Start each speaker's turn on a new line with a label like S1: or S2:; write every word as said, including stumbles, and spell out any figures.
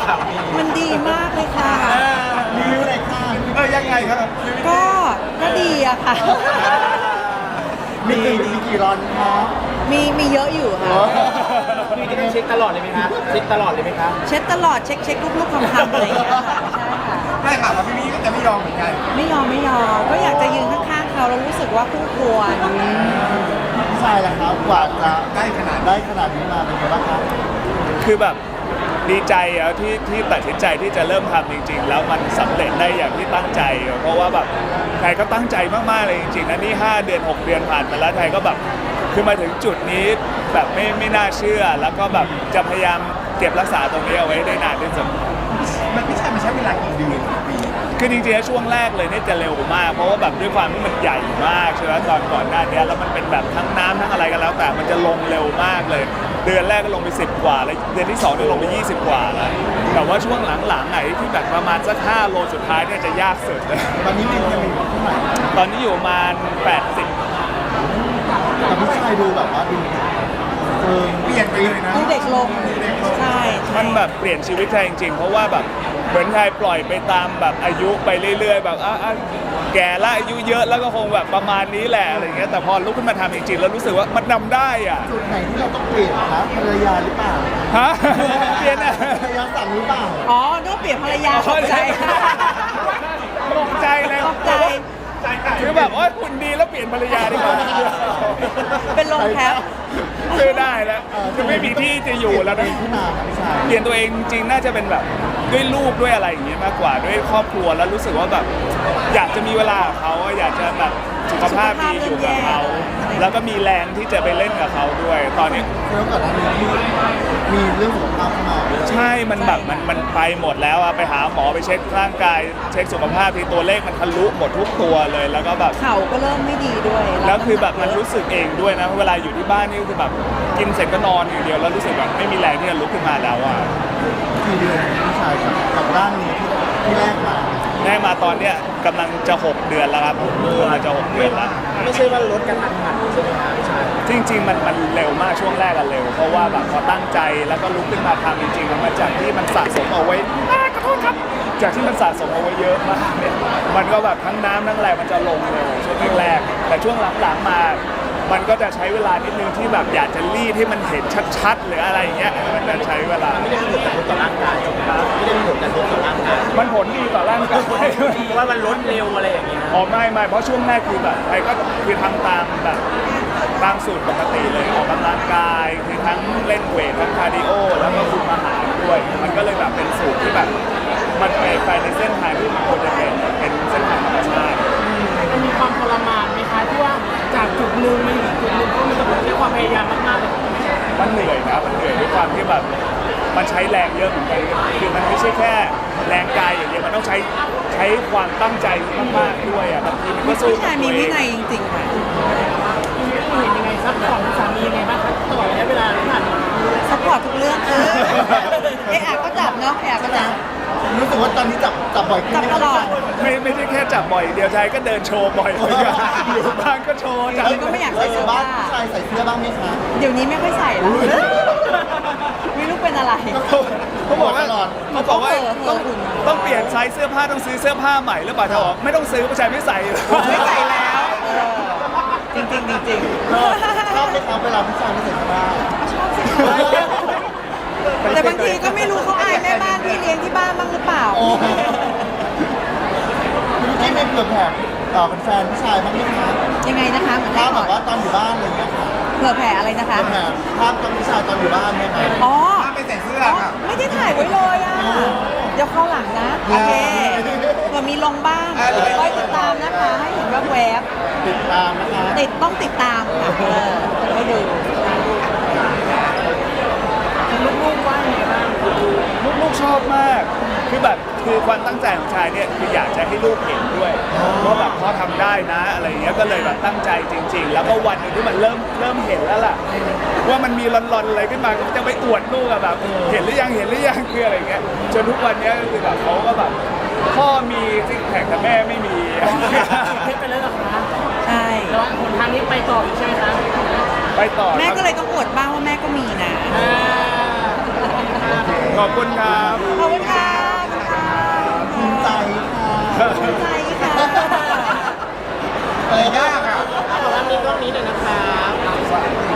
S1: สามี
S2: มันดีมากเลยค่ะ
S3: รีวิวหน่อยค่ะเออยังไงครับ
S2: ก็ก็ดีอะค่ะ
S3: มีมีกี่ร้อนครับ
S2: มีมีเยอะอยู่ค่ะ
S1: พี่จะเช็คตลอดเลยไหมคะเช็คตลอดเลยไหมคะ
S2: เช็ดตลอดเช็คเช็คลูกๆคำๆอะไรอย่างเงี้ยค่ะใช่ค่ะ
S3: ได้ข่าวว่าพี่มี่ก็จะไม่ยอมเหมือนกัน
S2: ไม่ยอมไม่ยอมก็อยากจะยืนข้างๆเขาแล้วรู้สึกว่าคู่ควร
S3: ใช่แล้วครับกว่าจะได้ขนาดได้ขนาดนี้มาเป็นไงบ้างครับ
S4: คือแบบดีใจอะที่ที่ตัดสินใจที่จะเริ่มทำจริงๆแล้วมันสำเร็จได้อย่างที่ตั้งใจเพราะว่าแบบไทยก็ตั้งใจมากๆเลยจริงๆนะนี่ห้าเดือนหกเดือนผ่านมาแล้วไทยก็แบบคือมาถึงจุดนี้แบบไม่ไม่น่าเชื่อแล้วก็แบบจะพยายามเก็บรักษาตรงนี้เอาไว้ได้นานที่สุด
S3: มันไม่ใช่มันใช้เวลากี่เดือนกี่ปี
S4: คือจริงๆแล้วช่วงแรกเลยเนี่ยจะเร็วมากเพราะว่าแบบด้วยความที่มันใหญ่มากใช่ไหมตอนก่อนหน้านี้แล้วมันเป็นแบบทั้งน้ำทั้งอะไรกันแล้วแต่มันจะลงเร็วมากเลย เดือนแรกก็ลงไปสิบกว่าแล้วเดือนที่สองเนี่ยลงไปยี่สิบกว่าแล้วแต่ว่าช่วงหลังๆไอ้ที่แบบประมาณสักห้าโลสุดท้ายเนี่ยจะยากสุดเลย
S3: ตอนนี้มียังมีเท่าไหร่
S4: ตอนนี้อยู่ประมาณแปดสิบ
S3: แต่ผู้ชายดูแบบว่าดูเออเปลี่ยนไปเลยนะ
S2: ดูเด็กลงใช่ใช่
S4: มันแบบเปลี่ยนชีวิตไทยจริงๆเพราะว่าแบบเหมือนไทยปล่อยไปตามแบบอายุไปเรื่อยๆแบบอ่ะอ่ะแก่ละอายุเยอะแล้วก็คงแบบประมาณนี้แหละอะไรเงี้ยแต่พอลุกขึ้นมาทำจริงๆแล้วรู้สึกว่ามันนำได้อ่ะ
S3: จุดไหนที่เราต้องเปลี่ยนครับภรรยาหรือเปล่า
S4: ฮะเปลี่ยนอ่ะ
S3: ภรรยาสั่งหรือเปล่า
S2: อ๋อนึกว่าเปลี่ยนภรรยาตกใจ
S4: ตกใจเลย
S2: ตกใจ
S4: คือแบบว่าคุณดีแล้วเปลี่ยนภรรยาดีกว่า
S2: เป็นลมแคป
S4: คือได้แล้วคือไม่มีที่จะอยู่แล้วนะ
S3: ที่มาครับพี่ชาย
S4: เปลี่ยนตัวเองจริงๆน่าจะเป็นแบบด้วยลูกด้วยอะไรอย่างเงี้ยมากกว่าด้วยครอบครัวแล้วรู้สึกว่าแบบอยากจะมีเวลากับเขาอยากจะแบบสุขภาพดีอยู่กับเขาแล้วก็มีแรงที่จะไปเล่นกับเขาด้วย ตอนนี้
S3: แล้วก่อนหน้านี้ที่มีเรื่องสุขภาพเข้ามา
S4: ใช่มันแบบมันมันไปหมดแล้วอะไปหาหมอไปเช็คร่างกายเช็คสุขภาพที่ตัวเลขมันทะลุหมดทุกตัวเลยแล้วก็แบบ
S2: เข่าก็เริ่มไม่ดีด้วย
S4: แล้วคือแบบมันรู้สึกเองด้วยนะเวลาอยู่ที่บ้านนี่คือแบบกินเสร็จก็นอนอย่างเดียวแล้วรู้สึกแบบไม่มีแรงที่จะลุกขึ้นมาแล้วอ่ะ
S3: กี่เดือนพี่ชายกับกับร่างนี้ที่ที่แรกมา
S4: ได้มาตอนเนี้ยกำลังจะหกเดือนแล้วครับกำลังจะหกเดือนแล้ว
S1: ไม่ใช่ว่าลดกันทันหันใช่ไหมคะพี่ชาย
S4: จริงๆมันมันเร็วมากช่วงแรกอะเร็วเพราะว่าแบบพอตั้งใจแล้วก็ลุกขึ้นมาทำจริงๆมันมาจากที่มันสะสมเอาไว้อ่าขอโทษครับจากที่มันสะสมเอาไว้เยอะมากเนี่ยมันก็แบบทั้งน้ำทั้งอะไรมันจะลงเร็วช่วงแรกๆแต่ช่วงหลังๆมา มันก็จะใช้เวลานิดนึงที่แบบอยากจะรีดให้มันเห็นชัดๆหรืออะไรอย่างเงี้ยมันจะใช้เวลา
S1: ไม่ได้มีผลกระทบต่อร่างกายใช่ไหมครับไม่ได้มีผลกระทบต่อร่างกาย
S4: มันผลดีต่อร่างกาย
S1: ว่ามันลดเร็วอะไรอย่างเงี้ย
S4: อ๋อไม่ไม่เพราะช่วงแรกคือแบบไอ้ก็คือทำตามแบบตามสูตรปกติเลยออกกำลังกายคือทั้งเล่นเวททั้งคาร์ดิโอแล้วก็คุมอาหารด้วย มันก็เลยแบบเป็นสูตรที่แบบมันไปไปในเส้นทางที่มันควรจะเป็นเป็นเส้นทางธรรมชาติ
S5: มันมีความทรมานไหมคะที่ว่าจากจุดหนึ่งมาอยู่จุดหนึ่งเพราะมันต้องใช้ความพยายามมากๆเลย
S4: มันเหนื่อยนะมันเหนื่อยด้วยความที่แบบมันใช้แรงเยอะเหมือนกันคือมันไม่ใช่แค่แรงกายอย่างเดียวมันต้องใช้ใช้ความตั้งใจมากๆด้วยอ่ะบางทีมันก็สู้
S2: ผู้ชายมีวินัยจริงๆค่ะ
S5: เห็นยังไงซัพพอร์ตสามียังไงบ้างคะตลอดระยะเวลาที่ผ่านมา
S2: ซัพพอร์ตทุกเรื่องค่ะเอะอะก็จับเนาะเอะอะก็จับ
S3: รู้สึกว่าตอนนี้จับจับบ่อยขึ้น
S2: จับ
S3: ไหม
S2: ตลอด
S4: ไม่ไม่ใช่แค่จับบ่อยเดียวชายก็เดินโชว์บ่อยเหมือนกันอยู่บ้านก็โชว์จับ
S2: ก็ไม่อยาก
S3: เอ
S2: ใส่เสื้
S3: อ
S2: อ
S3: บ้า
S2: ผ้าน
S3: ผู้ชายใส่เสื้อบ้างไหมคะ
S2: เดี๋ยวนี้ไม่ค่อยใส่แล้วไม่รู้เป็นอะไร
S4: เขาบอกว่า
S3: ตลอด
S4: เขาบอกว่า
S2: เออเออ
S4: ต้อง
S2: หุ่น
S4: ต้องเปลี่ยนไซส์เสื้อผ้าต้องซื้อเสื้อผ้าใหม่หรือเปล่าเธอบอกไม่ต้องซื้อผู้ชายไม่ใส่
S2: ไม่ใส่แล้วเออจริงจริงๆจริง
S3: ชอบชอบไหมครับเวลาผู้ชายไม่ใส่เสื้อผ้า
S2: ๆชอบสิแต่บางทีก็ไม่รู้เขาอายแม่บ้านพี่เลี้ยงที่บ้านบ้างหรือเปล่า
S3: โอ้ไม่ไม่เผื่อแผ่ต่อเป็นแฟนผู้ชายบ้างไหมคะ
S2: ยังไงนะคะเหมือน
S3: ภา
S2: ได้
S3: พ
S2: ก่
S3: แบ
S2: อน
S3: บว่าตอนอยู่บ้านอะไรเงี้ยค่ะ
S2: เผื่อแผ่อะไรนะคะ
S3: เผื่อแผ่ภาพตอนผู้ชายตอนอยู่บ้านเนี่ยค่ะ
S2: อ๋อ
S3: ไม่ใส่เสื้อ
S2: อ๋อ
S3: ค่ะ
S2: ไม่ได้ถ่ายไว้เลยอ่ะ เดี๋ยวเข้าหลังนะ โอเคเผื่อมีลงบ้างคอยติดตามนะคะ ให้เห็นว่าแวบ
S3: ติดตามนะคะ
S2: ติดต้องติดตามค่ะเออให้ดู
S5: ลูกๆว่ายังไงบ้าง
S4: ลูกๆชอบมาก คือแบบคือความตั้งใจของชายเนี่ยคืออยากจะให้ลูกเห็นด้วยว่าแบบพ่อทำได้นะอะไรเงี้ยก็เลยแบบตั้งใจจริง ๆ แล้วก็วันหนึงที่มันเริ่มเริ่มเห็นแล้วล่ะว่ามันมีรอนๆอะไรขึ้นมาก็จะไปอวดลูกอะแบบเห็นหรือยังเห็นหรือยังคืออะไรเงี้ยจนทุกวันเนี้ยก็คือแบบเขาก็แบบพ่อมีซิกแพคแต่แม่ไม่มี
S5: เพชรไปแล้วเหรอคะ
S2: ใช่
S5: แล้วหนทางนี้ไปต่ออีกใช่ไหมคะ
S4: ไปต่อ
S2: แม่
S4: ครับ
S2: ก็เลยต้องอวดบ้างว่าแม่ก็มีนะ
S5: อ่า
S4: ขอบคุณครับ
S2: ขอบคุณค่ะขอบคุณค่ะ
S3: ภูมิใจค่ะ
S2: ภูมิใจค่ะ
S3: เออยากอ่ะ
S1: ขอรับมีกล้องนี้หน่อยนะครับ